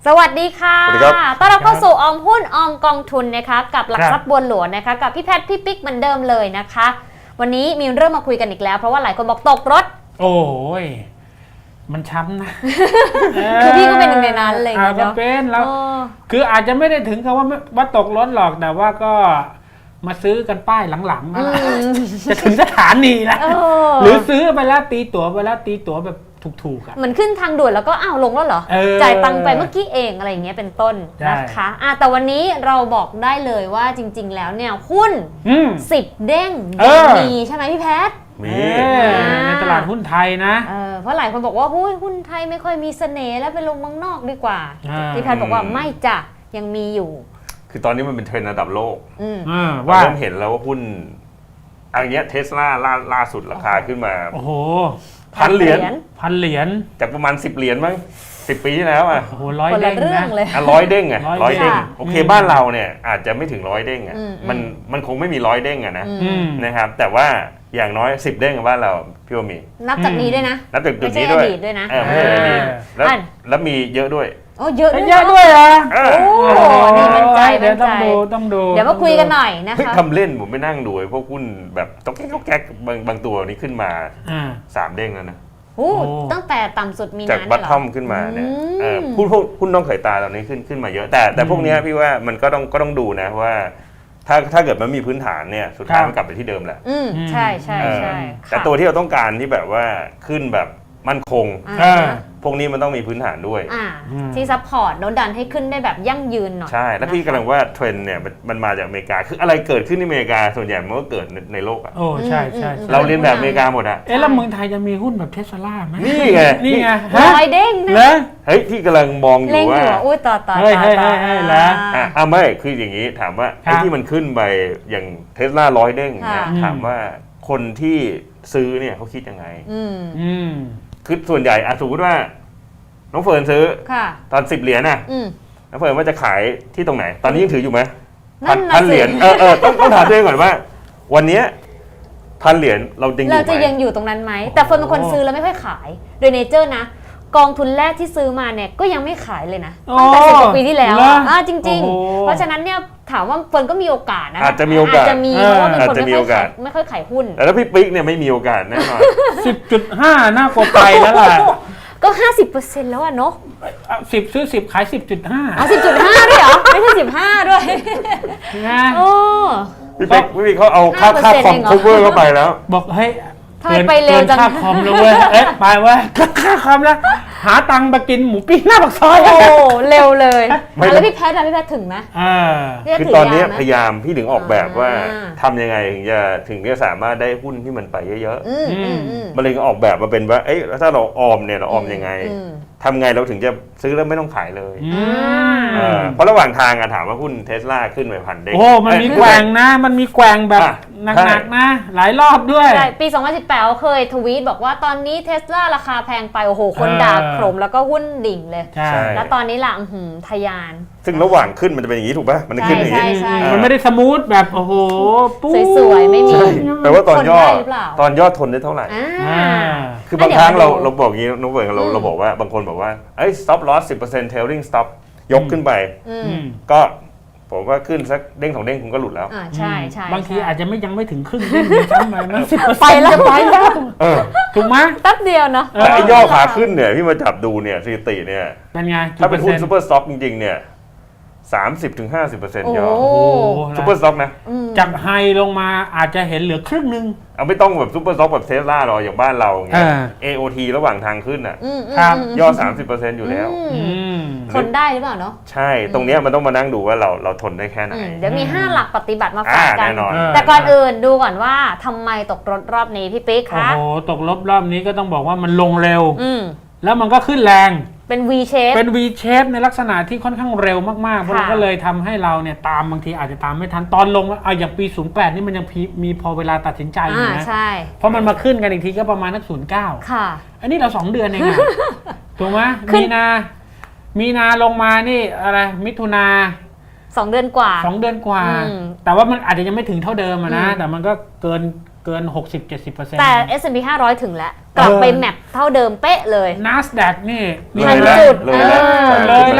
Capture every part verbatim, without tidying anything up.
สวัสดีค่ะต้อนรับเข้าสู่ออมหุ้นออมกองทุนนะคะกับหลักทรัพย์บัวหลวงนะคะกับพี่แพทย์พี่ปิ๊กเหมือนเดิมเลยนะคะวันนี้มีเรื่องมาคุยกันอีกแล้วเพราะว่าหลายคนบอกตกรถโอ้ยมันช้ำนะคือพี่ก็เป็นหนึ่งในนั้นเลยเนาะก็เป็นแล้วคืออาจจะไม่ได้ถึงกับว่าว่าตกรถหรอกแต่ว่าก็มาซื้อกันป้ายหลังๆนะจะถึงสถานีแล้วหรือซื้อไปแล้วตีตั๋วไปแล้วตีตั๋วแบบถูกๆอ่ะเหมือนขึ้นทางด่วนแล้วก็อ้าวลงแล้วเหรอจ่ายตังค์ไปเมื่อกี้เองอะไรอย่างเงี้ยเป็นต้นนะคะอ่ะแต่วันนี้เราบอกได้เลยว่าจริงๆแล้วเนี่ยหุ้นสิบเด้งยังมีใช่ไหมพี่แพทย์มีในตลาดหุ้นไทยนะเออเพราะหลายคนบอกว่าหุ้นหุ้นไทยไม่ค่อยมีเสน่ห์แล้วไปลงเมืองนอกดีกว่าพี่แพทย์บอกว่าไม่จ้ะยังมีอยู่คือตอนนี้มันเป็นเทรนด์ระดับโลกว่าเริ่มเห็นแล้วว่าหุ้นอันนี้เทสลาล่าสุดราคาขึ้นมาโอ้โหพันเหรียญพันเหรียญจากประมาณสิบเหรียญมั้งสิบปีที่แล้วอ่ะโอ้โหร้อยเด้งนะอ่ะร้อยเด้งอ่ะร้อยเด้งโอเคบ้านเราเนี่ยอาจจะไม่ถึงร้อยเด้งอ่ะมันมันคงไม่มีร้อยเด้งอ่ะนะนะครับแต่ว่าอย่างน้อยสิบเด้งกับบ้านเราพี่ว่ามีนับจากนี้ด้วยนะนับจากจุดนี้ด้วยด้วยนะไม่ใช่อดีตแล้วแล้วมีเยอะด้วยโอ้เยอะเยอะด้วยอ่ะโอ้นี่มั่นใจมั่นใจต้องดูต้องดูเดี๋ยวมาคุยกันหน่อยนะคะทำเล่นผมไม่นั่งดูพวกหุ้นแบบต้องแก๊กต้องแก๊กบางบางตัวนี้ขึ้นมาสามเด้งแล้วนะโอ้ตั้งแต่ต่ำสุดมีจากบัตทอมขึ้นมาเนี่ยหุ้นพวกหุ้นน้องเขยตาตอนนี้ขึ้นขึ้นมาเยอะแต่แต่พวกนี้พี่ว่ามันก็ต้องก็ต้องดูนะว่าถ้าถ้าเกิดมันมีพื้นฐานเนี่ยสุดท้ายมันกลับไปที่เดิมแหละอืมใช่ใช่ใช่แต่ตัวที่เราต้องการที่แบบว่าขึ้นแบบมั่นคงพวกนี้มันต้องมีพื้นฐานด้วยที่ซัพพอร์ตโน้ตดันให้ขึ้นได้แบบยั่งยืนหน่อยใช่แล้วพี่กำลังว่าเทรนด์เนี่ยมันมาจากอเมริกาคืออะไรเกิดขึ้นที่อเมริกาส่วนใหญ่มันก็เกิดในโลกอ่ะโอ้ใช่ใช่เราเรียนแบบอเมริกาหมดอ่ะเอ๊ะแล้วเมืองไทยจะมีหุ้นแบบเทสลาไหมนี่ไงนี่ไงร้อยเด้งนะเฮ้ยที่กำลังมองอยู่ว่าอุ้ยต่อต่อเฮ้ยเฮ้ยเฮ้ยแล้วอ่ะอ่ะไม่คืออย่างนี้ถามว่าไอ้ที่มันขึ้นไปอย่างเทสลาร้อยเด้งเนี่ยถามว่าคนที่ซื้อเนี่ยเขาคิดยังไงอืมคือส่วนใหญ่อะสมมติว่าน้องเฟิร์นซื้อตอนสิบเหรียญน่ะน้องเฟิร์นว่าจะขายที่ตรงไหนตอนนี้ยังถืออยู่ไหมพันเหรียญเออเออต้องต้องถามตัวเองก่อนว่าวันนี้พันเหรียญเราจริงเราจะยังอยู่ตรงนั้นไหมแต่เฟิร์นเป็นคนซื้อแล้วไม่ค่อยขายโดยเนเจอร์นะกองทุนแรกที่ซื้อมาเนี่ยก็ยังไม่ขายเลยนะตั้งแต่สิบกว่าปีที่แล้วอ่ะจริงๆเพราะฉะนั้นเนี่ยถามว่าเฟิร์นก็มีโอกาสนะอาจจะมีโอกาสอาจจะมีเพราะว่าเป็นคนไม่ค่อยขายไม่ค่อยขายหุ้นแล้วพี่ปิ๊กเนี่ยไม่มีโอกาสแน่นอนสิบจุดห้า น่ากลัวไปแล้วล่ะก็ ห้าสิบเปอร์เซ็นต์ แล้วอะเนาะสิบซื้อสิบขาย สิบจุดห้าอ๋อ สิบจุดห้า ด้วยเหรอไม่ใช่สิบห้าด้วยนะโอ้พี่ปิ๊กพี่เขาเอาค่าค่าคอมคัฟเวอร์เข้าไปแล้วบอกเฮ้ยทำไมไปเร็วจังค่าคอมแล้วเว้ยเอ๊ะไปเว้ยค่าคอมแล้วหาตังค์มากินหมูปิ้งหน้าปากซอยโอ้เร็วเลยแล้วพี่แพทย์อะพี่แพทย์ถึงไหมคือตอนนี้พยายามพี่ถึงออกแบบว่าทำยังไงถึงจะถึงจะสามารถได้หุ้นที่มันไปเยอะๆมันเลยออกแบบมาเป็นว่าเอ๊ะถ้าเราออมเนี่ยเราออมยังไงทำไงเราถึงจะซื้อแล้วไม่ต้องขายเลยเพราะระหว่างทางอะถามว่าหุ้นเทสลาขึ้นไปพันเด้งโอ้มันมีแกว่งนะมันมีแกว่งแบบหนักๆนะหลายรอบด้วยปีสองพันสิบแปดเคยทวีตบอกว่าตอนนี้เทสลาราคาแพงไปโอ้โหคนด่าโครมแล้วก็หุ้นดิ่งเลยแล้วตอนนี้ล่ะทะยานซึ่งระหว่างขึ้นมันจะเป็นอย่างนี้ถูกป่ะมันขึ้นอย่างนี้มันไม่ได้สมูทแบบโอ้โหสวยๆไม่มีแปลว่าตอนย่อตอนย่อทนได้เท่าไหร่คือบางครั้งเราเราบอกอย่างนี้น้องเบิร์ดเราเราบอกว่าบางคนบอกว่าเอ้ย stop loss สิบเปอร์เซ็นต์ trailing stop ยกขึ้นไปก็ผมว่าขึ้นสักเด้งสองเด้งคุณก็หลุดแล้วใช่ใช่บางทีอาจจะไม่ยังไม่ถึงครึ่งเด้งซ้ำไปนะไปแล้วไปแล้วถูกไหมแป๊บเดียวเนาะแต่ไอ้ย่อขาขึ้นเนี่ยพี่มาจับดูเนี่ยสถิติเนี่ยเป็นไงถ้าเป็นหุ้นซูเปอร์สต็อกจริงๆเนี่ยสามสิบถึงห้าสิบเปอร์เซ็นต์ ย่อซูเปอร์สต็อกนะจากไฮลงมาอาจจะเห็นเหลือครึ่งนึงเอาไม่ต้องแบบซูเปอร์สต็อกแบบเทสลาหรอกอย่างบ้านเราอย่างเงี้ย เอ โอ ที ระหว่างทางขึ้นอ่ะย่อ สามสิบเปอร์เซ็นต์ อยู่แล้วทนได้หรือเปล่าเนาะใช่ตรงเนี้ยมันต้องมานั่งดูว่าเราเราทนได้แค่ไหนเดี๋ยวมีห้าหลักปฏิบัติมาฝากกันแต่ก่อนอื่นดูก่อนว่าทำไมตกรถรอบนี้พี่ปิ๊กคะโอ้โหตกรอบรอบนี้ก็ต้องบอกว่ามันลงเร็วแล้วมันก็ขึ้นแรงเป็น V shape เป็น V shape ในลักษณะที่ค่อนข้างเร็วมากๆเพราะก็เลยทำให้เราเนี่ยตามบางทีอาจจะตามไม่ทันตอนลงเอาอย่างปีศูนย์แปดนี่มันยังมีพอเวลาตัดสินใจอยู่นะเพราะมันมาขึ้นกันอีกทีก็ประมาณนักศูนย์เก้าค่ะอันนี้เราสองเดือนเองอะถูกไหมมีนามีนาลงมานี่อะไรมิถุนาสองเดือนกว่าสองเดือนกว่าแต่ว่ามันอาจจะยังไม่ถึงเท่าเดิมนะแต่มันก็เกินเกิน หกสิบถึงเจ็ดสิบเปอร์เซ็นต์แต่ เอส แอนด์ พี ห้าร้อยถึงแล้วกลับไปแมปเท่าเดิมเป๊ะเลย NASDAQ นี่พันจุดเลยแล้วเลยแล้ว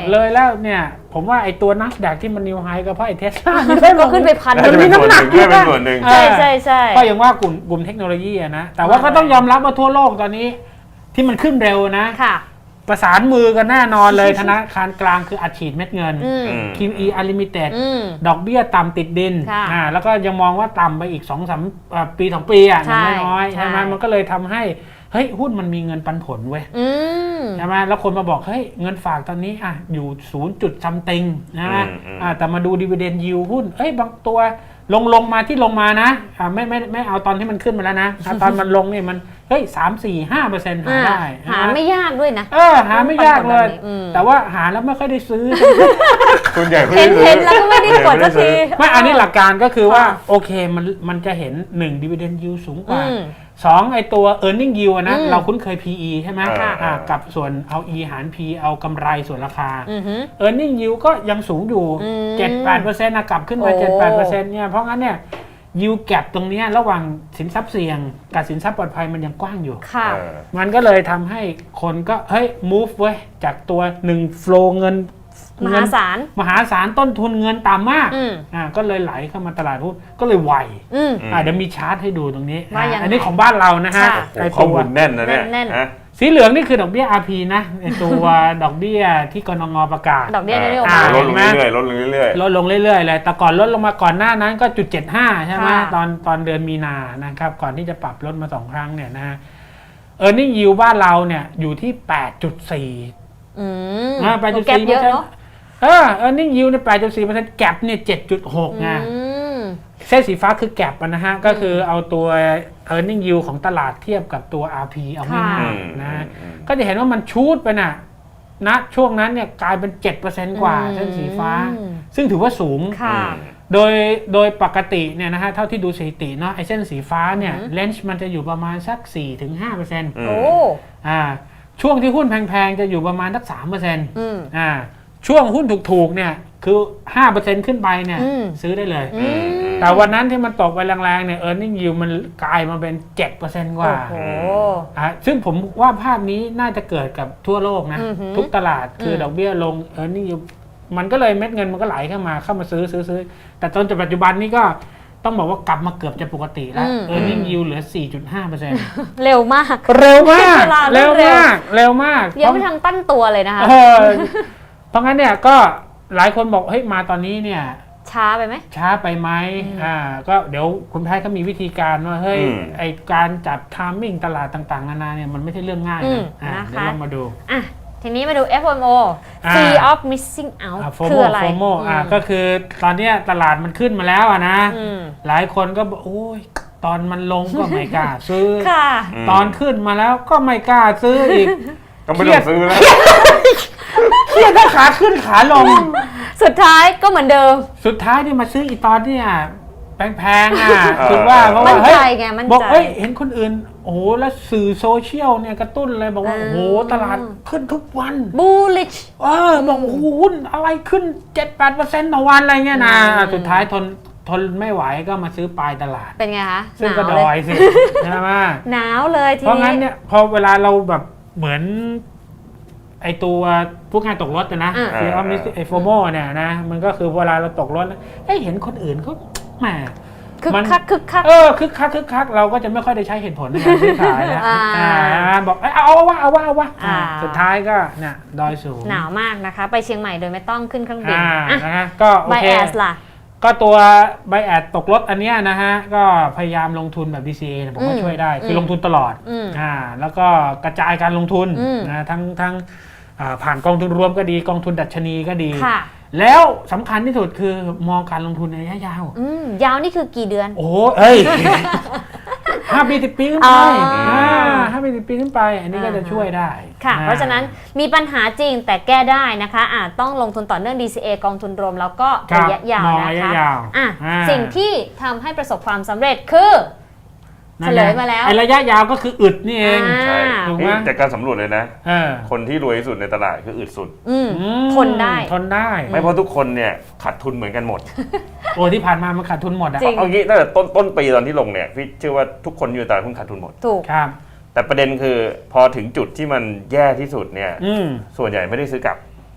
เลยแล้วเนี่ยผมว่าไอ้ตัว NASDAQ ที่มันนิวไฮก็เพราะไอ้ Tesla ก็ขึ้นไปพันมันมีน้ำหนักด้วยเป็นส่วนหนึ่งใช่ใช่ใช่ก็ยังว่ากลุ่มกลุ่มเทคโนโลยีนะแต่ว่าก็ต้องยอมรับว่าทั่วโลกตอนนี้ที่มันขึ้นเร็วนะประสานมือกันแน่นอนเลยธนาคารกลางคืออัดฉีดเม็ดเงิน คิว อี Unlimited ดอกเบี้ยต่ำติดดินอ่าแล้วก็ยังมองว่าต่ำไปอีก สองถึงสาม ปีสองปีอ่ะน้อยๆใช่ไหมมันก็เลยทำให้เฮ้ยหุ้นมันมีเงินปันผลเว้ยใช่ไหมแล้วคนมาบอกเฮ้ยเงินฝากตอนนี้อ่ะอยู่ศูนย์จุดซัมติงนะฮะอ่าแต่มาดูดิวิเดนยิวหุ้นเฮ้ยบางตัวลงลงมาที่ลงมานะอ่าไม่ไม่ไม่เอาตอนที่มันขึ้นมาแล้วนะตอนมันลงเนี่ยมันเฮ้ยสามสี่ห้าเปอร์เซ็นต์หาได้หาไม่ยากด้วยนะเออหาไม่ยากเลยแต่ว่าหาแล้วไม่ค่อยได้ซื้อส่วนใหญ่เห็นเห็นแล้วก็ไม่ได้กดสักทีไม่อันนี้หลักการก็คือว่าโอเคมันมันจะเห็นหนึ่ง dividend yield สูงกว่าสองไอตัว earning yield นะเราคุ้นเคย พี อี ใช่ไหมกับส่วนเอา E หาร P เอากำไรส่วนราคา earning yield ก็ยังสูงอยู่ เจ็ดถึงแปดเปอร์เซ็นต์ นะกลับขึ้นมา เจ็ดถึงแปดเปอร์เซ็นต์ เนี่ยเพราะงั้นเนี่ยยิวแกปตรงนี้ระหว่างสินทรัพย์เสี่ยงกับสินทรัพย์ปลอดภัยมันยังกว้างอยู่มันก็เลยทำให้คนก็เฮ้ย move เว้ยจากตัวหนึ่ง flow เงินมหาศาลมหาศาลต้นทุนเงินต่ำมากอ่าก็เลยไหลเข้ามาตลาดหุ้นก็เลยไวอ่าเดี๋ยวมีชาร์ตให้ดูตรงนี้อันนี้ของบ้านเรานะฮะไอ้ข้อมูลแน่นนะเนี่ยสีเหลืองนี่คือดอกเบี้ย อาร์ พี นะไอตัวดอกเบี้ยที่กนงประกาศดอกเบี้ยนโยบายลดลงเรื่อยๆลดลงเรื่อยๆลดลงเรื่อยๆเลยแต่ก่อนลดลงมาก่อนหน้านั้นก็จุดเจ็ดห้าใช่ไหมตอนตอนเดือนมีนานะครับก่อนที่จะปรับลดมาสองครั้งเนี่ยนะเออร์เน็งยิวบ้านเราเนี่ยอยู่ที่ แปดจุดสี่อืมแปดจุดสี่เยอะเนาะเออเออร์เน็งยิวเนี่ย แปดจุดสี่เปอร์เซ็นต์ แกปเนี่ย เจ็ดจุดหก ไงเส้นสีฟ้าคือแกปนะฮะก็คือเอาตัว earning yield ของตลาดเทียบกับตัว อาร์ พี เอาง่ายๆนะก็จะเห็นว่ามันชูดไปน่ะณช่วงนั้นเนี่ยกลายเป็น เจ็ดเปอร์เซ็นต์ กว่าเส้นสีฟ้าซึ่งถือว่าสูงโดยโดยปกติเนี่ยนะฮะเท่าที่ดูสถิติเนาะไอ้เส้นสีฟ้าเนี่ยเลนจ์มันจะอยู่ประมาณสัก สี่ถึงห้าเปอร์เซ็นต์โอ้อ่าช่วงที่หุ้นแพงๆจะอยู่ประมาณสัก สามเปอร์เซ็นต์ อ่าช่วงหุ้นถูกๆเนี่ยคือ ห้าเปอร์เซ็นต์ ขึ้นไปเนี่ยซื้อได้เลยแต่วันนั้นที่มันตกไปแรงๆเนี่ย earning yield มันกลายมาเป็น เจ็ดเปอร์เซ็นต์ กว่าอ่าซึ่งผมว่าภาพนี้น่าจะเกิดกับทั่วโลกนะทุกตลาดคือดอกเบี้ยลง earning yield มันก็เลยเม็ดเงินมันก็ไหลเข้ามาเข้ามาซื้อซื้อซื้อแต่จนปัจจุบันนี้ก็ต้องบอกว่ากลับมาเกือบจะปกติแล้ว earning yield เหลือ สี่จุดห้าเปอร์เซ็นต์เร็วมากเร็วมากเร็วมากเร็วมากยังไม่ทันตั้งตัวเลยนะคะเพราะงั้นเนี่ยก็หลายคนบอกเฮ้ยมาตอนนี้เนี่ยช้าไปไหมช้าไปไหมอ่าก็เดี๋ยวคุณแพทย์เขามีวิธีการว่าเฮ้ยไอการจัดไทมิ่งตลาดต่างๆนานาเนี่ยมันไม่ใช่เรื่องง่ายนะอ่าเดี๋ยวลองมาดูอ่ะทีนี้มาดู เอฟ โอ เอ็ม โอ Fear of Missing Out คืออะไรโฟโม อ่าก็คือตอนนี้ตลาดมันขึ้นมาแล้วอะนะหลายคนก็บอกโอ้ยตอนมันลงก็ไม่กล้าซื้อตอนขึ้นมาแล้วก็ไม่กล้าซื้ออีกก็ไม่ต้องซื้อแล้วเครียดถ้าขาขึ้นขาลงสุดท้ายก็เหมือนเดิมสุดท้ายที่มาซื้ออีตอนเนี่ยแพงๆอ่ะคือว่าเพราะว่าเฮ้ยบอกเฮ้ยเห็นคนอื่นโอ้โหแล้วสื่อโซเชียลเนี่ยกระตุ้นเลยบอกว่าโอ้โหตลาดขึ้นทุกวันบูลลิชเออบอกโอ้โหหุ้นอะไรขึ้น เจ็ดถึงแปดเปอร์เซ็นต์ ต่อวันอะไรเงี้ยนะสุดท้ายทนทนไม่ไหวก็มาซื้อปลายตลาดเป็นไงคะซึ่งก็ดอยสิใช่ไหมหนาวเลยทีนี้เพราะงั้นเนี่ยพอเวลาเราแบบเหมือนไอตัวพวกงานตกรถนะคือเอาไอโฟโมเนี่ยนะมันก็คือเวลาเราตกรถไอเห็นคนอื่นเขาแหมคึกคักคึกคักเออคึกคักคึกคักเราก็จะไม่ค่อยได้ใช้เหตุผลในการซื้อขายแล้วบอกเอาเอาว่าเอาว่าเอาว่าสุดท้ายก็เนี่ยดอยสูงหนาวมากนะคะไปเชียงใหม่โดยไม่ต้องขึ้นเครื่องบินนะก็โอเคก็ตัวไบแอดตกรถอันนี้นะฮะก็พยายามลงทุนแบบ ดี ซี เอ ผมก็ช่วยได้คือลงทุนตลอดอ่าแล้วก็กระจายการลงทุนนะทั้งทั้งผ่านกองทุนรวมก็ดีกองทุนดัชนีก็ดีแล้วสำคัญที่สุดคือมองการลงทุนในระยะยาวยาวนี่คือกี่เดือนโอ้เอ้ยห้าปีสิบปีขึ้นไปห้าปีสิบปีขึ้นไปอันนี้ก็จะช่วยได้ค่ะเพราะฉะนั้นมีปัญหาจริงแต่แก้ได้นะคะอาจต้องลงทุนต่อเนื่อง ดี ซี เอ กองทุนรวมแล้วก็ระยะยาวนะคะอ่ะสิ่งที่ทำให้ประสบความสำเร็จคือเฉลยมาแล้วไอ้ระยะยาวก็คืออึดนี่เองใช่ถูกไหมจากการสำรวจเลยนะคนที่รวยที่สุดในตลาดคืออึดสุดทนได้ทนได้ไม่เพราะทุกคนเนี่ยขาดทุนเหมือนกันหมดโอ้ที่ผ่านมามันขาดทุนหมดอะเอางี้ตั้งแต่ต้นต้นปีตอนที่ลงเนี่ยพี่เชื่อว่าทุกคนอยู่ตลาดหุ้นขาดทุนหมดถูกครับแต่ประเด็นคือพอถึงจุดที่มันแย่ที่สุดเนี่ยส่วนใหญ่ไม่ได้ซื้อกลับ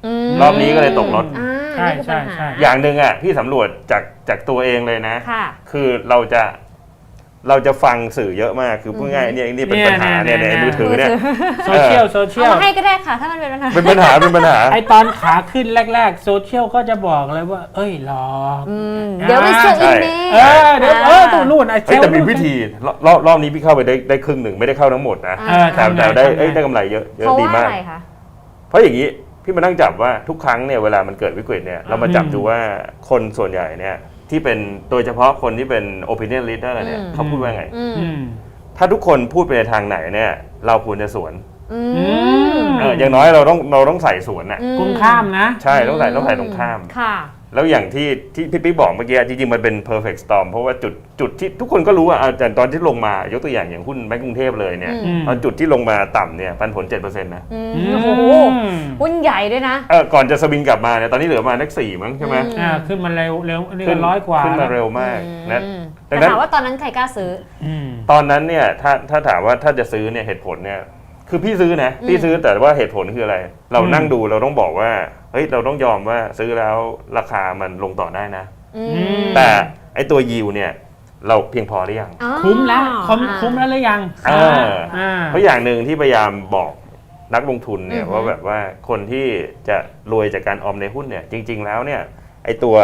รอบนี้ก็เลยตกรถใช่ใช่ใช่อย่างหนึ่งอ่ะพี่สำรวจจากจากตัวเองเลยนะค่ะคือเราจะเราจะฟังสื่อเยอะมากคือพูดง่ายๆเนี่ยนี่เป็นปัญหาเนี่ยในมือถือเนี่ยโซเชียลโซเชียลเอามาให้ก็ได้ค่ะถ้ามันเป็นปัญหาเป็นปัญหาเป็นปัญหาไอตอนขาขึ้นแรกๆโซเชียลก็จะบอกเลยว่าเอ้ยหลอกเดี๋ยวไปเชื่ออีเมลเออเดี๋ยวเออตัวนู่นไอเซลแต่มีวิธีรอบรอบนี้พี่เข้าไปได้ได้ครึ่งหนึ่งไม่ได้เข้าทั้งหมดนะแต่แต่ได้ได้กำไรเยอะเยอะดีมากเพราะอย่างนี้พี่มานั่งจับว่าทุกครั้งเนี่ยเวลามันเกิดวิกฤตเนี่ยเรามาจับดูว่าคนส่วนใหญ่เนี่ยที่เป็นโดยเฉพาะคนที่เป็น opinion leader เนี่ยเขาพูดว่าไงถ้าทุกคนพูดไปในทางไหนเนี่ยเราควรจะสวนเอออย่างน้อยเราต้องเราต้องใส่สวนน่ะตรงข้ามนะใช่ต้องใส่ต้องใส่ตรงข้ามค่ะแล้วอย่างที่ที่พี่ปิ๊กบอกเมื่อกี้จริงๆมันเป็น perfect storm เพราะว่าจุดจุดที่ทุกคนก็รู้อ่ะแต่ตอนที่ลงมายกตัวอย่างอย่างหุ้นแบงก์กรุงเทพเลยเนี่ยตอนจุดที่ลงมาต่ำเนี่ยปันผล เจ็ดเปอร์เซ็นต์ นะโอ้โหหุ้นใหญ่ด้วยนะเออก่อนจะสวิงกลับมาเนี่ยตอนนี้เหลือมานักสี่มั้งใช่ไหมอ่าขึ้นมาเร็วเร็วนี่ก็ร้อยกว่าขึ้นมาเร็วมากนะแต่ถามว่าตอนนั้นใครกล้าซื้อตอนนั้นเนี่ยถ้าถ้าถามว่าถ้าจะซื้อเนี่ยเหตุผลเนี่ยคือพี่ซื้อนะพี่ซื้อแต่ว่าเหตุผลคืออะไรเรานั่งดูเราต้องบอกว่าเฮ้ยเราต้องยอมว่าซื้อแล้วราคามันลงต่อได้นะแต่ไอตัวยิวเนี่ยเราเพียงพอหรือยังคุ้มแล้วคุ้มคุ้มแล้วหรือยังเพราะอย่างหนึ่งที่พยายามบอกนักลงทุนเนี่ยว่าแบบว่าคนที่จะรวยจากการออมในหุ้นเนี่ยจริงๆแล้วเนี่ยไอตัว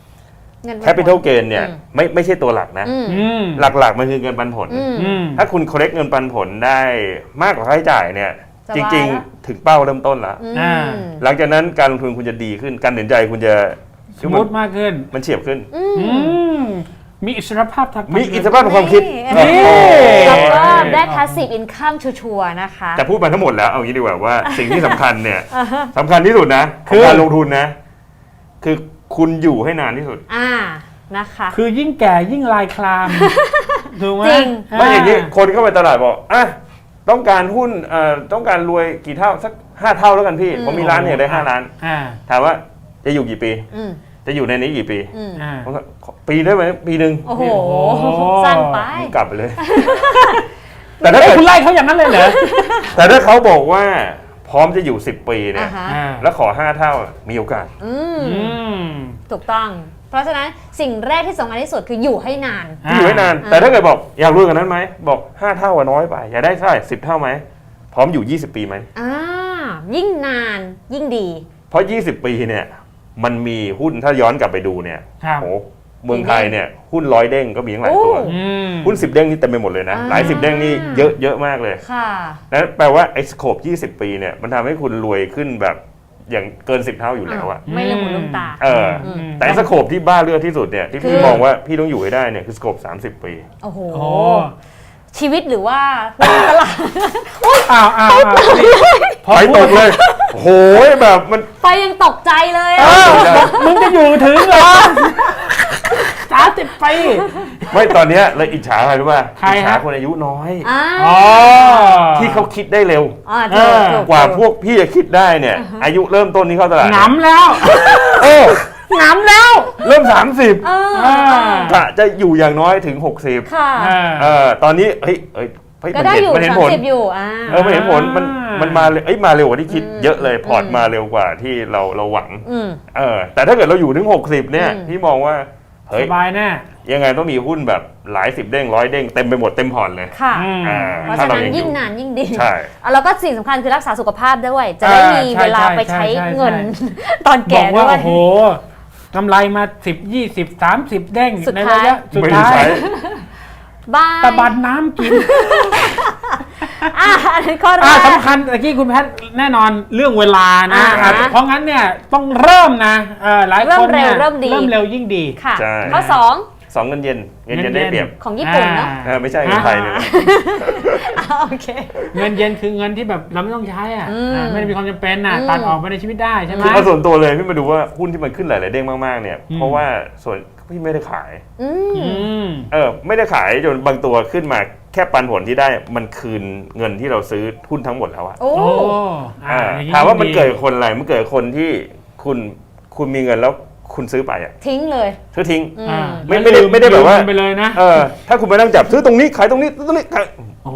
capital gain เนี่ยไม่ไม่ใช่ตัวหลักนะหลักๆมันคือเงินปันผลถ้าคุณ collect เงินปันผลได้มากกว่าค่าใช้จ่ายเนี่ยจริงๆถึงเป้าเริ่มต้นแล้วหลังจากนั้นการลงทุนคุณจะดีขึ้นการตัดสินใจคุณจะสมูทมากขึ้นมันเฉียบขึ้นมีอิสรภาพทางมีอิสรภาพทางความคิดแล้วก็ได้ passive income ชัวร์ๆนะคะแต่พูดมาทั้งหมดแล้วเอางี้ดีกว่าว่าสิ่งที่สำคัญเนี่ยสำคัญที่สุดนะคือการลงทุนนะคือคุณอยู่ให้นานที่สุดอ่านะคะคือยิ่งแก่ยิ่งลายคลามถูกไหมจริงไม่อย่างนี้คนเข้าไปตลาดบอกอ่ะต้องการหุ้นเอ่อต้องการรวยกี่เท่าสักห้าเท่าแล้วกันพี่ผมมีร้านเนี่ยได้ห้าล้านถามว่าจะอยู่กี่ปีจะอยู่ในนี้กี่ปีปีได้ไหมปีหนึ่งโอ้โหสั้นไปกลับไปเลยแต่ถ้าคุณไล่เขาอย่างนั้นเลยเหรอแต่ถ้าเขาบอกว่าพร้อมจะอยู่สิบปีเนี่ยแล้วขอห้าเท่ามีโอกาสถูกต้องเพราะฉะนั้นสิ่งแรกที่สำคัญที่สุดคืออยู่ให้นานอยู่ให้นานแต่ถ้าเกิดบอกอยากรวยกว่านั้นไหมบอกห้าเท่าว่าน้อยไปอยากได้เท่าไหร่สิบเท่าไหมพร้อมอยู่ยี่สิบปีไหมอ่ายิ่งนานยิ่งดีเพราะยี่สิบปีเนี่ยมันมีหุ้นถ้าย้อนกลับไปดูเนี่ยโอ้เมืองไทยเนี่ยหุ้นร้อยเด้งก็มีทั้งหลายตัวหุ้นสิบเด้งนี่เต็มไปหมดเลยนะหลายสิบเด้งนี่เยอะเยอะมากเลยค่ะนั่นแปลว่าไอ้สโคปยี่สิบปีเนี่ยมันทำให้คุณรวยขึ้นแบบอย่างเกินสิบเท่าอยู่แล้วอะไม่ลืมหูลืมตาเออแต่สโคปที่บ้าเลือดที่สุดเนี่ยที่พี่มองว่าพี่ต้องอยู่ให้ได้เนี่ยคือสโคปสามสิบปีโอ้โหชีวิตหรือว่าตลาดอ้าวอ้าวไฟตกเลยโหยแบบมันไฟยังตกใจเลยมึงจะอยู่ถึงเหรอสามสิบปีไม่ตอนนี้เลยอิจฉาใครรู้ป่ะอิจฉาคนอายุน้อยที่เขาคิดได้เร็วกว่าพวกพี่จะคิดได้เนี่ยอายุเริ่มต้นนี้เข้าตลาดหนำแล้วโอ้หนำแล้วเริ่มสามสิบกะจะอยู่อย่างน้อยถึงหกสิบค่ะเออตอนนี้เฮ้ยเอ้ยก็ได้อยู่สามสิบอยู่อ่าเออมันเห็นผลมันมันมาเอ้ยมาเร็วกว่าที่คิดเยอะเลยพอร์ตมาเร็วกว่าที่เราเราหวังเออแต่ถ้าเกิดเราอยู่ถึงหกสิบเนี่ยพี่มองว่าเฮ้ยสบายแน่ยังไงต้องมีหุ้นแบบหลายสิบเด้งร้อยเด้งเต็มไปหมดเต็มพอร์ตเลยค่ะเพราะฉะนั้นยิ่งนานยิ่งดีใช่แล้วก็สิ่งสำคัญคือรักษาสุขภาพด้วยจะได้มีเวลาไปใช้เงินตอนแก่ด้วยบอกว่าโอ้โหกำไรมาสิบยี่สิบสามสิบเด้งในระยะสุดท้ายบ้าตะบันน้ำกินอ่าอันนี้ข้อแรกสำคัญตะกี้คุณแพทย์แน่นอนเรื่องเวลานะเพราะงั้นเนี่ยต้องเริ่มนะหลายคนเนี่ยเริ่มเร็วยิ่งดีค่ะข้อสองสองเงินเย็นเงินเย็นได้เปรียบของญี่ปุ่นเนาะไม่ใช่เงินไทยเนี่ยโอเคเงินเย็นคือเงินที่แบบเราไม่ต้องใช้อ่ะไม่ได้มีความจำเป็นอ่ะตัดออกไปในชีวิตได้ใช่ไหมส่วนตัวเลยพี่มาดูว่าหุ้นที่มันขึ้นหลายๆเด้งมากๆเนี่ยเพราะว่าส่วนพี่ไม่ได้ขายเออไม่ได้ขายจนบางตัวขึ้นมาแค่ปันผลที่ได้มันคืนเงินที่เราซื้อหุ้นทั้งหมดแล้วอ่ะโอ้ถามว่ามันเกิดคนอะไรมันเกิดคนที่คุณคุณมีเงินแล้วคุณซื้อไปอ่ะทิ้งเลยซื้อทิ้งไม่ไม่ได้ไม่ได้แบบว่าไปเลยนะเออถ้าคุณไปนั่งจับซื้อตรงนี้ขายตรงนี้ตรงนี้โอ้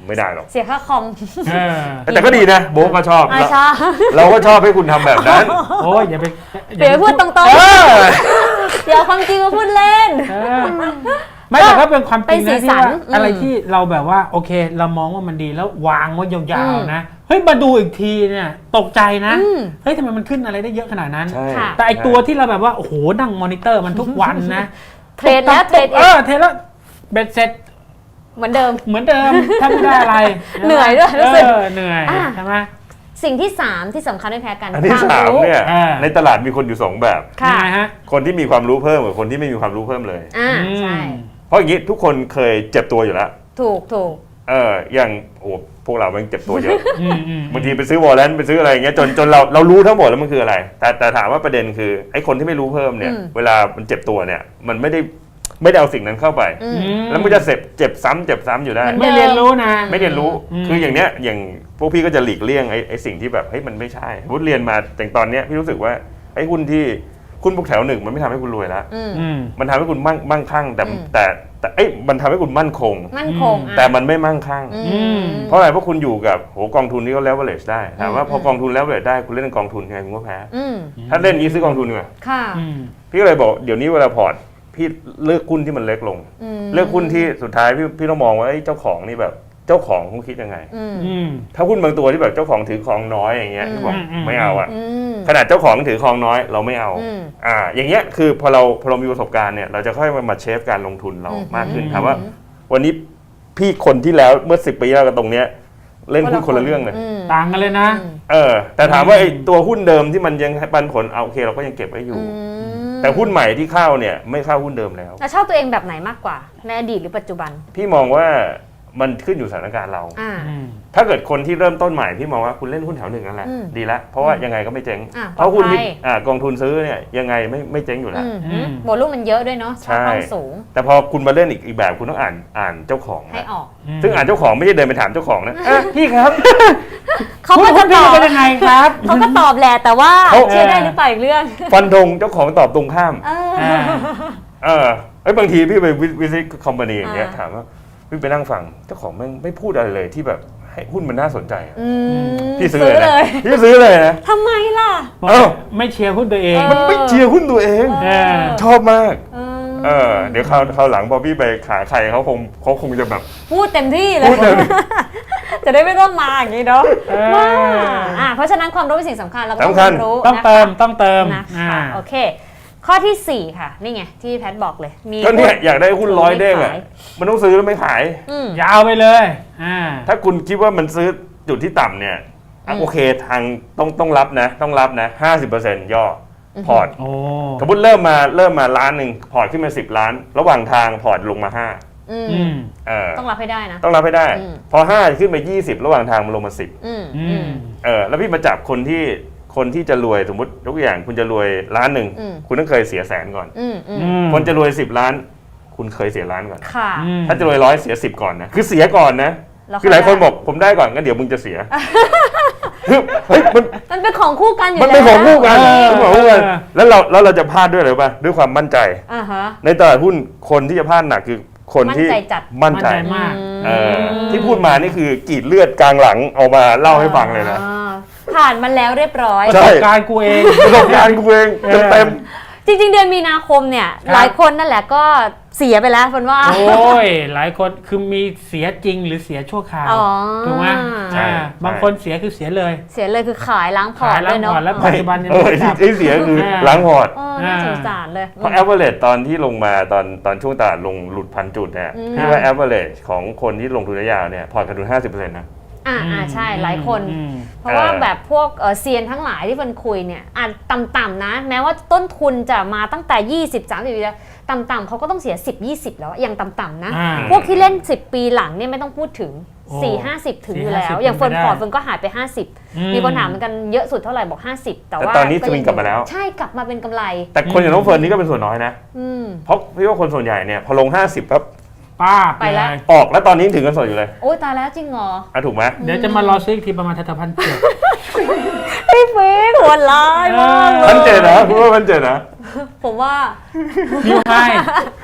ไม่ได้หรอกเสียค่าคอมแต่ก็ดีนะโบ๊ก็ชอบชอบเราก็ชอบให้คุณทำแบบนั้นโอ้ยอย่าไปเดี๋ยวพูดตรงๆเดี๋ยวความจริงมาพูดเล่นไม่แต่ก็เป็นความจริงนะที่ว่าอะไรที่เราแบบว่าโอเคเรามองว่ามันดีแล้ววางไว้ยาวๆนะเฮ้ยมาดูอีกทีเนี่ยตกใจนะเฮ้ยทำไมมันขึ้นอะไรได้เยอะขนาดนั้นแต่ไอตัวที่เราแบบว่าโอ้โหนั่งมอนิเตอร์มันทุกวันนะเทรดแล้วเทรดเออเทรดแล้วเบ็ดเสร็จเหมือนเดิมเหมือนเดิมถ้าไม่ได้อะไรเหนื่อยด้วยรู้สึกเหนื่อยใช่ไหมสิ่งที่สามที่สำคัญไม่แพ้กันอันที่สามเนี่ยในตลาดมีคนอยู่สองแบบค่ะคนที่มีความรู้เพิ่มกับคนที่ไม่มีความรู้เพิ่มเลยอ่าใช่เพราะอย่างนี้ทุกคนเคยเจ็บตัวอยู่แล้วถูกถูกเอออย่างโอ้พวกเรามันเจ็บตัวเยอะบางทีไปซื้อวอลเลนไปซื้ออะไรอย่างเงี้ยจนจนเราเรารู้ทั้งหมดแล้วมันคืออะไรแต่แต่ถามว่าประเด็นคือไอ้คนที่ไม่รู้เพิ่มเนี่ยเวลามันเจ็บตัวเนี่ยมันไม่ได้ไม่ได้เอาสิ่งนั้นเข้าไปแล้วมันจะเจ็บเจ็บซ้ำเจ็บซ้ำอยู่ได้ไม่เรียนรู้นะไม่เรียนรู้คืออย่างเนี้ยอย่างพวกพี่ก็จะหลีกเลี่ยงไอ้ไอ้สิ่งที่แบบเฮ้ยมันไม่ใช่พุทธเรียนมาแต่ตอนเนี้ยพี่รู้สึกว่าไอ้หุ้นที่หุ้นพวกแถวหนึ่งมันไม่ทำให้คุณรวยแล้วมันทำให้คุณมั่งมั่งคั่งแต่แต่แต่เอ้ยมันทำให้คุณมั่นคงมั่นคงแต่มันไม่มั่งคั่งเพราะอะไรเพราะคุณอยู่กับโหกองทุนนี้ก็แล้วเวลจได้ถามว่าพอกองทุนแล้วเวลจได้คุณเล่นกองทุนยังไงคุณก็แพ้ถ้าเล่นนี้ซื้อกองทุนดีกว่าพี่ก็เลยบอกเดี๋ยวนี้เวลาพอร์ตพี่เลือกหุ้นที่มันเล็กลงเลือกหุ้นที่สุดท้ายพี่พี่ต้องมองว่าเจ้าของนี่แบบเจ้าของเขาคิดยังไงถ้าหุ้นบางตัวที่แบบเจ้าของถือครองน้อยอย่างเงี้ยบอกไม่เอาอ่ะขนาดเจ้าของถือครองน้อยเราไม่เอาอ่าอย่างเงี้ยคือพอเราพอเรามีประสบการณ์เนี่ยเราจะค่อยมาเชฟการลงทุนเรามากขึ้นถามว่าวันนี้พี่คนที่แล้วเมื่อสิบปีแล้วกับตรงเนี้ยเล่นหุ้นคนละเรื่องเลยต่างกันเลยนะเออแต่ถามว่าไอ้ตัวหุ้นเดิมที่มันยังปันผลเอาโอเคเราก็ยังเก็บไว้อยู่แต่หุ้นใหม่ที่เข้าเนี่ยไม่เข้าหุ้นเดิมแล้วชอบตัวเองแบบไหนมากกว่าในอดีตหรือปัจจุบันพี่มองว่ามันขึ้นอยู่สถานการณ์เราถ้าเกิดคนที่เริ่มต้นใหม่พี่มองว่าคุณเล่นหุ้นแถวหนึ่งนั่นแหละดีละเพราะว่ายังไงก็ไม่เจ๊งเพราะหุ้นที่กองทุนซื้อเนี่ยยังไงไม่ไม่เจ๊งอยู่แล้วโวลุ่มมันเยอะด้วยเนาะช่องสูงแต่พอคุณมาเล่นอีกอีกแบบคุณต้องอ่านอ่านเจ้าของให้ออกซึ่งอ่านเจ้าของไม่ใช่เดินไปถามเจ้าของนะพี่ครับเขาก็จะตอบเป็นยังไงครับเขาก็ตอบแหละแต่ว่าเชื่อได้หรือเปล่าอีกเรื่องฟันธงเจ้าของตอบตรงข้ามเออไอ้บางทีพี่ไปวิสิตคอมพานีอย่างเงี้ยถามว่าพี่ไปนั่งฟังเจ้าของไม่ไม่พูดอะไรเลยที่แบบให้หุ้นมันน่าสนใจพี่ซื้อเลยพี่ซื้อเลยนะทำไมล่ะเออไม่เชียร์หุ้นตัวเองมันไม่เชียร์หุ้นตัวเองชอบมากเออเดี๋ยวคราวคราวหลังพอพี่ไปขาใครเขาคงเขาคงจะแบบพูดเต็มที่เลยจะได้ไม่ต้องมาอย่างนี้เนาะว่าอ่าเพราะฉะนั้นความรู้เป็นสิ่งสำคัญเราก็ต้องรู้ต้องเติมต้องเติมนะคะโอเคข้อที่สี่ค่ะนี่ไงที่แพทบอกเลยมีก็เนี่ยอยากได้หุ้นร้อยเด้งอ่ะมันต้องซื้อแล้วไม่ขายยาวไปเลยถ้าคุณคิดว่ามันซื้อจุดที่ต่ำเนี่ยโอเคทางต้องต้องรับนะต้องรับนะห้าสิบเปอร์เซ็นต์ย่อพอร์ตสมมติเริ่มมาเริ่มมาล้านหนึ่งพอร์ตขึ้นมาสิบล้านระหว่างทางพอร์ตลงมาห้าต้องรับให้ได้นะต้องรับให้ได้พอห้าขึ้นไปยี่สิบระหว่างทางมันลงมาสิบเออแล้วพี่มาจับคนที่คนที่จะรวยสมมติยกอย่างคุณจะรวยล้านหนึ่งคุณต้องเคยเสียแสนก่อนคนจะรวยสิบล้านคุณเคยเสียล้านก่อนถ้าจะรวยร้อยเสียสิบก่อนนะคือเสียก่อนนะคือหลายคนบอกผมได้ก่อนงั้นเดี๋ยวมึงจะเสียเฮ้ยมันมันเป็นของคู่กันอยู่แล้วมันเป็นของคู่กันมันของคู่กันแล้วเราแล้วเราจะพลาดด้วยหรือเปล่าด้วยความมั่นใจในตลาดหุ้นคนที่จะพลาดหนักคือคนที่มั่นใจมากที่พูดมานี่คือกรีดเลือดกลางหลังเอามาเล่าให้ฟังเลยนะผ่านมาแล้วเรียบร้อยประสบการณ์กูเองประสบการณ์กูเองเต็มจริงๆเดือนมีนาคมเนี่ยหลายคนนั่นแหละก็เสียไปแล้วคนว่าโอ้ยหลายคนคือมีเสียจริงหรือเสียชั่วคราวถูกไหมใช่บางคนเสียคือเสียเลยเสียเลยคือขายล้างพอร์ตเลยเนาะแล้วปัจจุบันยังไม่จับที่เสียคือล้างพอร์ตน่าสงสารเลยเพราะ average ตอนที่ลงมาตอนตอนช่วงตลาดลงหลุดพันจุดเนี่ยพี่ว่า average ของคนที่ลงทุนระยะยาวเนี่ยพอร์ตขาดทุน ห้าสิบเปอร์เซ็นต์ นะอ่าอ่าใช่หลายคนเพราะว่าแบบพวกเซียนทั้งหลายที่เฟิร์นคุยเนี่ยอ่าต่ำๆนะแม้ว่าต้นทุนจะมาตั้งแต่ยี่สิบ สามสิบปีแล้วต่ำๆเขาก็ต้องเสียสิบ ยี่สิบแล้วอย่างต่ำๆนะพวกที่เล่นสิบปีหลังเนี่ยไม่ต้องพูดถึงสี่ ห้าสิบถึงอยู่แล้วอย่างเฟิร์นพอร์ตเฟิร์นก็หายไปห้าสิบมีคนถามเหมือนกันเยอะสุดเท่าไหร่บอกห้าสิบแต่ว่าตอนนี้สวิงกลับมาแล้วใช่กลับมาเป็นกำไรแต่คนอย่างน้องเฟิร์นนี่ก็เป็นส่วนน้อยนะเพราะพี่ว่าคนส่วนใหญ่เนี่ยพอลงห้าสิบปั๊บป้าไปแล้วออกแล้วตอนนี้ถึงกันสดอยู่เลยโอ้ยตายแล้วจริงเหรออ่ะถูกไหมเดี๋ยวจะมารอซื้ออีกทีประมาณทัศพันเจ็ดพี่เฟ้หัวร้ายมากพันเจ็ดนะคุณว่าพันเจ็ดนะผมว่านิวไฮผ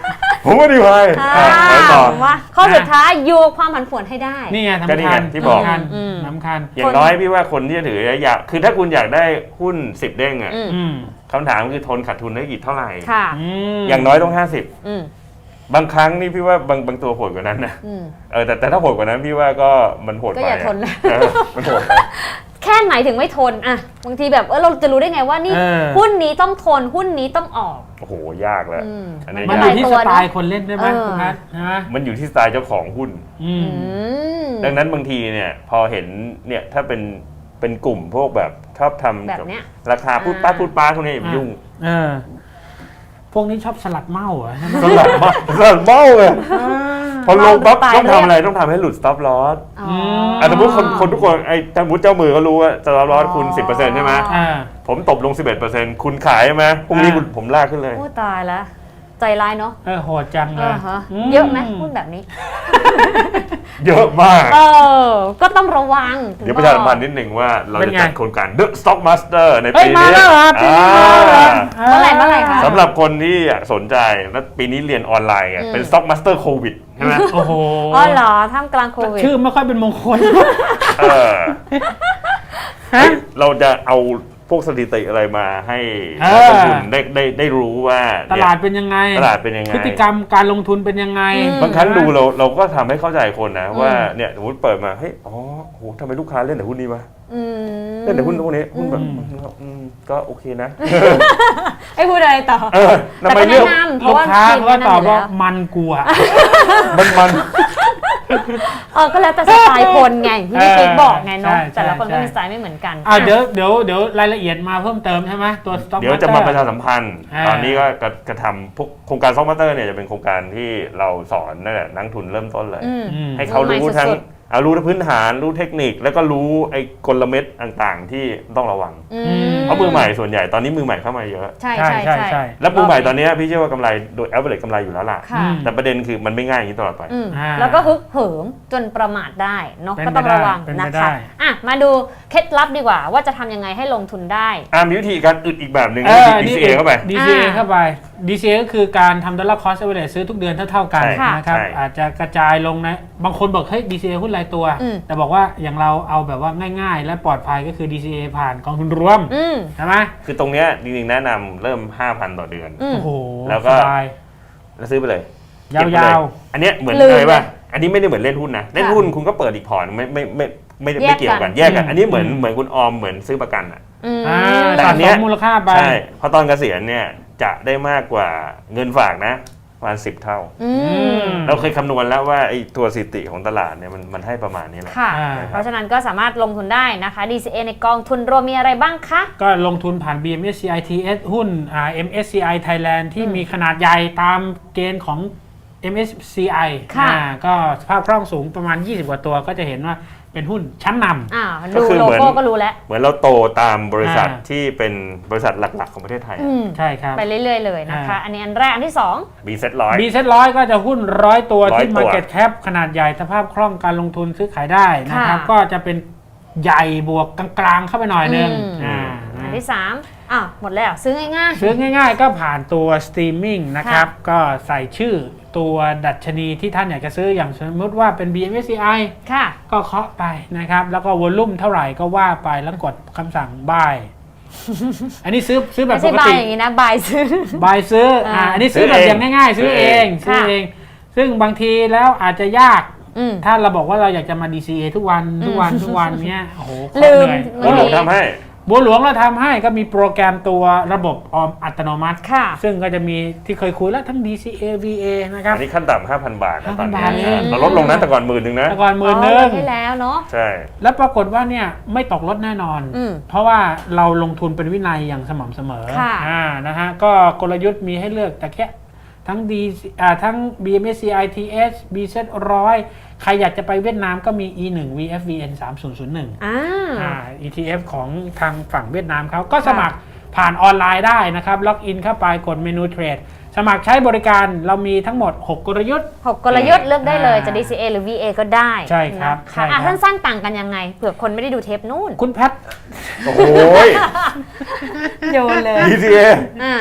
ผมว่าดีพายอ่าไปต่อว่าข้อสุดท้ายโยกความผันผวนให้ได้นี่ไงก็สำนี่คัไงญที่บอกสำคัญอืมสำคัญอย่างน้อยพี่ว่าคนที่จะถืออยากคือถ้าคุณอยากได้หุ้นสิบเด้งอ่ะอืมอืมคำถามคือทนขาดทุนได้กี่เท่าไหร่ค่ะมอย่างน้อยต้องห้าสิบอืมบางครั้งนี่พี่ว่าบางบางตัวโหดกว่านั้นนะอืมเออแต่แต่ถ้าโหดกว่านั้นพี่ว่าก็มันโหดก็ไปอย่าอะทนนะเออมันโหดไปแค่ไหนถึงไม่ทนอะบางทีแบบเออเราจะรู้ได้ไงว่านี่เออหุ้นนี้ต้องทนหุ้นนี้ต้องออกโอ้โหยากแล้วอืมอันนี้มันยาอก ยู่ที่สไตล์คนเล่นด้วยไหมเออคุณนัทใช่ไหมมันอยู่ที่สไตล์เจ้าของหุ้นอืมอืมดังนั้นบางทีเนี่ยพอเห็นเนี่ยถ้าเป็นเป็นกลุ่มพวกแบบชอบทำแบบเนี้ยราคาพูดป้าพูดป้าพวกนี้อย่าไปยุ่งเออ พวกนี้ชอบสลัดเมาเหรอใช่ไหมสลัดเบ้าสลัดเบ้าเลยพอลงปั๊บเมาต้องตายทำอะไรต้องทำให้หลุด stop loss อ๋ออ่ะสมมติคนคนทุกคนไอ้สมมติเจ้ามือก็รู้ว่า stop loss คุณอ๋อสิบเปอร์เซ็นต์ใช่ไหมอ่าผมตบลง สิบเอ็ดเปอร์เซ็นต์ คุณขายใช่ไหมพรุ่งนี้อ่าคุณผมลากขึ้นเลยโอ้ตายแล้ว ใจร้ายเนาะเออโหดจังเลเอย อฮะเยอะไหมหุ้นแบบนี้เยอะมากเออ ก็ต้องระวังถึงเดี๋ยวประชาสัมพันธ์นิดหนึ่งว่าเราเป็นจะไงจัดโครงการ The Stock Master ในเอ้ปียมานี้แล้วเหรอปีนี้มาแล้วเหรออ่าเมื่อไหร่เมื่อไหร่คะสำหรับคนที่สนใจแล้วปีนี้เรียนออนไลน์ไงอืมเป็น Stock Master โควิดใช่ไหมโอ้โหอ๋อเหรอท่ามกลางโควิดชื่อไม่ค่อยเป็นมงคลเออฮะเราจะเอาพวกสถิติอะไรมาให้เออนักลงทุนได้ได้ได้รู้ว่าตลาดเป็นยังไงตลาดเป็นยังไงพฤติกรรมการลงทุนเป็นยังไงอืมบางครั้งดูเราเราก็ทำให้เข้าใจคนนะอืมว่าเนี่ยสมมติเปิดมาเฮ้ยอ๋อโหทำไมลูกค้าเล่นแต่หุ้นนี้วะอืมเล่นแต่หุ้นพวกนี้หุ้นแบบอืมอืมก็โอเคนะไอ้พูดอะไรต่อเออทำแต่ไมก็เลืแนะอกนำเพลูราะกว่าค้าทีมก็แนะตอบนำอยู่ว่าแล้วมันกลัวมันมันเออก็แล้วแต่สไตล์คนไงที่พี่เออปิ๊กบอกไงเนาะใช่แต่ละคนใช่ก็มีสไตล์ไม่เหมือนกันอ่าเดี๋ยวเดี๋ยวเดี๋ยวรายละเอียดมาเพิ่มเติมใช่ไหมตัว Stock เดี๋ยวจะมา Master ประชาสัมพันธ์อ่าตอนนี้ก็กระกระทำพวกโครงการซอฟต์แวร์เนี่ยจะเป็นโครงการที่เราสอนนั่นแหละนักทุนเริ่มต้นเลยอืมอืมให้เขารู้รู้ใหม่ทั้งสุดเอารู้ทั้งพื้นฐานรู้เทคนิค แล้วก็รู้ไอ้กลเม็ดต่างๆ ที่ต้องระวังอืเพราะมือใหม่ส่วนใหญ่ตอนนี้มือใหม่เข้ามาเยอะใช่ใช่ใช่ใช่ใช่ใช่แล้วมือใหม่ตอนนี้พี่เชื่อว่ากำไรโดย average กำไรอยู่แล้วล่ะค่ะอืมแต่ประเด็นคือมันไม่ง่ายอย่างนี้ตลอดไปอืมอ่าแล้วก็ฮึกเหิมจนประมาทได้เนาะเป็นก็ต้องระวังไปได้นะเป็นไปได้คะอ่ะมาดูเคล็ดลับดีกว่า ว่าจะทำยังไงให้ลงทุนได้อ่ามีวิธีการอึดอีกแบบหนึ่งเออดี ซี เอ เข้าไปดี ซี เออ่าเข้าไป ดี ซี เอ ก็คือการทำดอลลาร์คอสเอเวอเรจซื้อทุกเดือนเท่าๆกันใช่นะครับใช่อาจจะกระจายลงนะ บางคนบอกเฮ้ย ดี ซี เอ หุ้นรายตัวอืมแต่บอกว่าอย่างเราเอาแบบว่าง่ายๆ และปลอดภัยก็คือ ดี ซี เอ ผ่านกองทุนรวมอืมใช่ไหมคือตรงเนี้ยจริงๆแนะนำเริ่ม ห้าพัน ต่อเดือนอืมโอ้โหแล้วก็สบายแล้วซื้อไปเลยยาเก็บไปเลวอันเนี้ยเหมือนลืมเลยว่าเลยอันนี้ไม่ได้เหมือนเล่นหุ้นนะ เล่นค่ะหุ้นคุณก็เปิดอีกพอร์ตไม่ไม่ไม่ไม่ไม่แยไม่กเกี่ยวกันกันแยกกันอืมอันนี้เหมือนอืมเหมือนคุณออมเหมือนซื้อประกันอ่ะอืมๆอ่าแต่สะอันเนี้สยมมูลค่าไปใช่พอตอนเกษียณเนี่ยจะได้มากกว่าเงินฝากนะประมาณสิบเท่าอืมมเราเคยคำนวณแล้วว่าไอ้ตัวสถิติของตลาดเนี่ยมันมันให้ประมาณนี้แหละค่ะอ่าเพราะฉะนั้นก็สามารถลงทุนได้นะคะ ดี ซี เอ ในกองทุนรวมมีอะไรบ้างคะก็ลงทุนผ่าน บี เอ็ม เอส ซี ไอ ที เอส หุ้นอ่า เอ็ม เอส ซี ไอ Thailand ที่อืมมีขนาดใหญ่ตามเกณฑ์ของ เอ็ม เอส ซี ไอค่ะอ่าก็สภาพคล่องสูงประมาณ ยี่สิบ กว่าตัวก็จะเห็นว่าเป็นหุ้นชั้นนำอ่าก็ดูคือโลเหมือนโก้ก็รู้แล้วเหมือนเราโตตามบริษัทอ่าที่เป็นบริษัทหลักๆของประเทศไทยอืมใช่ครับไปเรื่อยๆเลยนะคะอ่าอันนี้อันแรกอันที่สองบีเซ็ตร้อย B เซ็ตร้อยก็จะหุ้นร้อยตัวร้อยที่ตัว Market Cap ขนาดใหญ่สภาพคล่องการลงทุนซื้อขายได้นะครับค่ะก็จะเป็นใหญ่บวกกลางๆ เข้าไปหน่อยนึงอืมอ่าอันนะที่สามอ่ะหมดแล้วซื้อง่ายซื้อง่ายๆก็ผ่านตัว Streaming นะครับ ก็ใส่ชื่อตัวดัชนีที่ท่านอยากจะซื้ออย่างสมมติว่าเป็น บี เอ็ม เอส ซี ไอๆ ค่ะก็เคาะไปนะครับ แล้วก็วอลลุ่มเท่าไหร่ก็ว่าไปแล้วกดคำสั่ง buy อันนี้ซื้อซื้อแบบไม่ปใช่กบายติอย่างนี้นะบายซื้อ buy ซื้ออ่าอ่าอันนี้ซื้อแบบอย่างง่ายๆ ซื้อเองซื้อเอง ซึ่งบางทีแล้วอาจจะยากอืมถ้าเราบอกว่าเราอยากจะมา ดี ซี เอ ทุกวันทุกวันอืมทุกวันเนี้ยโอ้โหโคตรลืมเหนื่อยบัวหลวงทำให้บัวหลวงเราทำให้ก็มีโปรแกรมตัวระบบออมอัตโนมัติค่ะซึ่งก็จะมีที่เคยคุยแล้วทั้ง ดี ซี เอ วี เอ นะครับอันนี้ขั้นต่ำห้าพัน บาทนะตอนนี้ห้าพันบาทเองเราลดลงนะแต่ก่อนหมื่นหนึ่งนะแต่ก่อนหมื่นหอ๋นึ่อง ลดให้แล้วเนาะใช่แล้วปรากฏว่าเนี่ยไม่ตกลดแน่นอนอืมเพราะว่าเราลงทุนเป็นวินัยอย่างสม่ำเสมอค่ะอ่านะฮะก็กลยุทธ์มีให้เลือกแต่แค่ทั้ง D อ่าทั้ง บี เอ็ม เอส ซี ไอ ที เอส บี เซ็ต หนึ่งร้อย ใครอยากจะไปเวียดนามก็มี อี วัน วี เอฟ วี เอ็น สามศูนย์ศูนย์หนึ่งอ่าอ่า อี ที เอฟ ของทางฝั่งเวียดนามเขาก็สมัครผ่านออนไลน์ได้นะครับ ล็อกอินเข้าไปกดเมนูเทรด สมัครใช้บริการเรามีทั้งหมด หก กลยุทธ์หกกลยุทธ์เลือกได้เลยอ่าจะ ดี ซี เอ หรือ วี เอ ก็ได้ใช่ครับนะใช่คะครัอ่ะบสั้นๆต่างกันยังไงเผื่อคนไม่ได้ดูเทปนู่นคุณแพทโอ้โหโยนเลยดี ซี เออ่า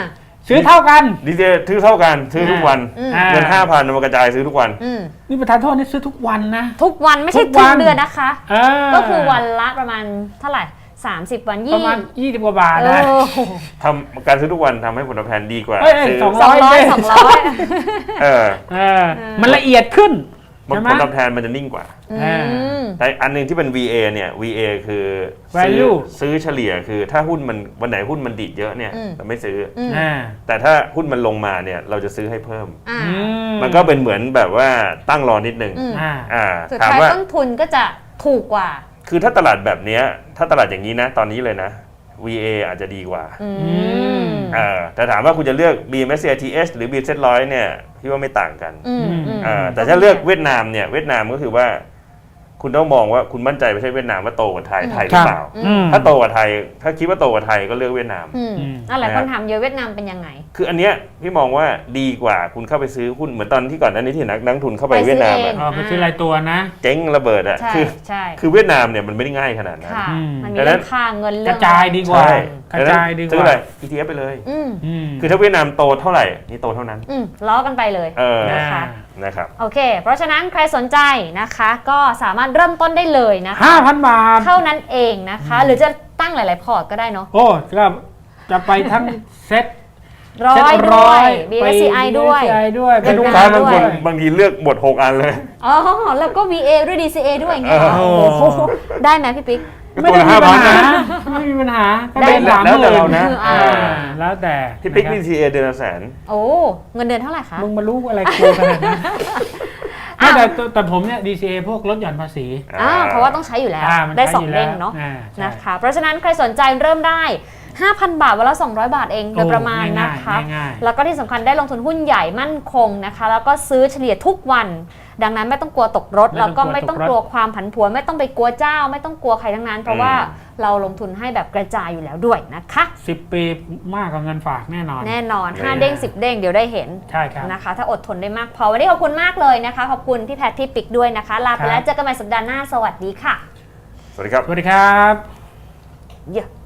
ซื้อเท่ากันดีเจซื้อเท่ากันซื้อทุกวันอืมเงินห้าพันมันกระจายซื้อทุกวันอืมนี่ประธานโทษนี่ซื้อทุกวันนะทุกวันไม่ใช่ทุกวัทุกนเดือนนะคะเออก็คือวันละประมาณเท่าไหร่สามสิบวันปยี่ระมาณยี่สิบกว่าบาทเอนะอทำการซื้อทุกวันทำให้ผลตอบแทนดีกว่าเอ้ยเอ้ยซื้อสองสองร้อยสองร้อยเออเออมันละเอียดขึ้นผลใช่ไหมผลตอบแทนมันจะนิ่งกว่าอืมแต่อันหนึงที่เป็น วี เอ เนี่ย วี เอ คือซื้อ value ซื้อเฉลี่ยคือถ้าหุ้นมันวันไหนหุ้นมันดีดเยอะเนี่ยอืมเราไม่ซื้อออืมอ่าแต่ถ้าหุ้นมันลงมาเนี่ยเราจะซื้อให้เพิ่มอ่าอืมันก็เป็นเหมือนแบบว่าตั้งรอนิดนึงอืมอ่าอ่าสุดถามท้ายว่าต้นทุนก็จะถูกกว่าคือถ้าตลาดแบบเนี้ยถ้าตลาดอย่างนี้นะตอนนี้เลยนะ วี เอ อาจจะดีกว่าอืมมอ่าแต่ถามว่าคุณจะเลือก บี เอ็ม เอส ซี ไอ ที เอส หรือ บี เซ็ต หนึ่งร้อยเนี่ยพี่ว่าไม่ต่างกันอืมอืมอ่าแต่ถ้าเลือกเวียดนามเนี่ยเวียดนามก็คือว่า คุณต้องมองว่าคุณมั่นใจไม่ใช่เวียดนามว่าโตกว่าไทยไทยหรือเปล่าอืมถ้าโตกว่าไทย ถ้าคิดว่าโตกว่าไทยก็เลือกเวียดนามอืมอืมอะไรคนถามเยอะเวียดนามเป็นยังไงคืออันเนี้ยพี่มองว่าดีกว่าคุณเข้าไปซื้อหุ้นเหมือนตอนที่ก่อนหน้านี้ที่นักนักทุนเข้าไปไปซื้อเวียดนามเออะงเอาไปซื้อรายตัวนะเจ๊งระเบิดอะใช่คือใช่คือเวียดนามเนี่ยมันไม่ได้ง่ายขนาดนั้นค่ะอืมมันมีดังนั้เรื่อน งค่าเงินกเรื่ระองจายดีกว่าใช่กระจายดีกซื้อว่าอะไร อี ที เอฟ ไปเลยอืมอืมคือถ้าเวียดนามโตเท่าไหร่นี่โตเท่านั้นอืมล้อกันไปเลยเออนะคะนะครับโอเค เพราะฉะนั้นใครสนใจนะคะ ก็สามารถเริ่มต้นได้เลยนะคะห้าพันบาทเท่านั้นเองนะคะ หรือจะตั้งหลาย ๆ พอร์ตก็ได้เนาะโอ้ก็จะไปทั้งเซ็ตร้อยด้วย บี เอส ซี ไอ ด้วยบี เอส ซี ไอ ด้วยเป็ให้นลูกงค้าานบางด้ควยนบางทีเลือกหมดหกอันเลยอ๋อ แล้วก็ วี เอ ด้วย ดี ซี เอ ด้วยอย่างเงี้ยเหรอเออโอ้โหได้ไหมพี่ปิ๊กไม่ได้มีปัญหาไม่มีปัญหาก็ได้ได้สามหแล้วแต่มื่นเรานะอ่าอ่าแล้วแต่ที่ปิ๊กนะบีครับทีเอเดือนละแสนโอ้เงินเดือนเท่าไหร่คะมึงมารู้อะไรกูขนาดนั้นไม่แต่แต่แต่ผมเนี่ย ดี ซี เอ พวกลดหย่อนภาษีอ่าเพราะว่าต้องใช้อยู่แล้วอ่ามันได้ใช้สองยู่เด้งแล้วเนาะอ่ใช่นะคะ เพราะฉะนั้นใครสนใจเริ่มได้ ห้าพัน บาทวันละสองร้อยบาทเองโดยประมาณนะคะง่ายๆแล้วก็ที่สำคัญได้ลงทุนหุ้นใหญ่มั่นคงนะคะ แล้วก็ซื้อเฉลี่ยทุกวัน ดังนั้นไม่ต้องกลัวตกรถไม่ต้องแล้วก็ไม่กลัวต้องตกรถกลัวความผันผวนไม่ต้องไปกลัวเจ้า ไม่ต้องกลัวใครทั้งนั้น เพราะว่าเราลงทุนให้แบบกระจายอยู่แล้วด้วยนะคะสิบปีมากกว่าเงินฝากแน่นอนแน่นอนห้าเด้งสิบเด้งเดี๋ยวได้เห็นใช่ครับนะคะ ถ้าอดทนได้มากพอวันนี้ขอบคุณมากเลยนะคะขอบคุณพี่แพทที่ปิกด้วยนะคะลาไปแล้วเจอกันใหม่สัปดาห์หน้าสวัสดีค่ะสวัสดีครับสวัสดีครับเย้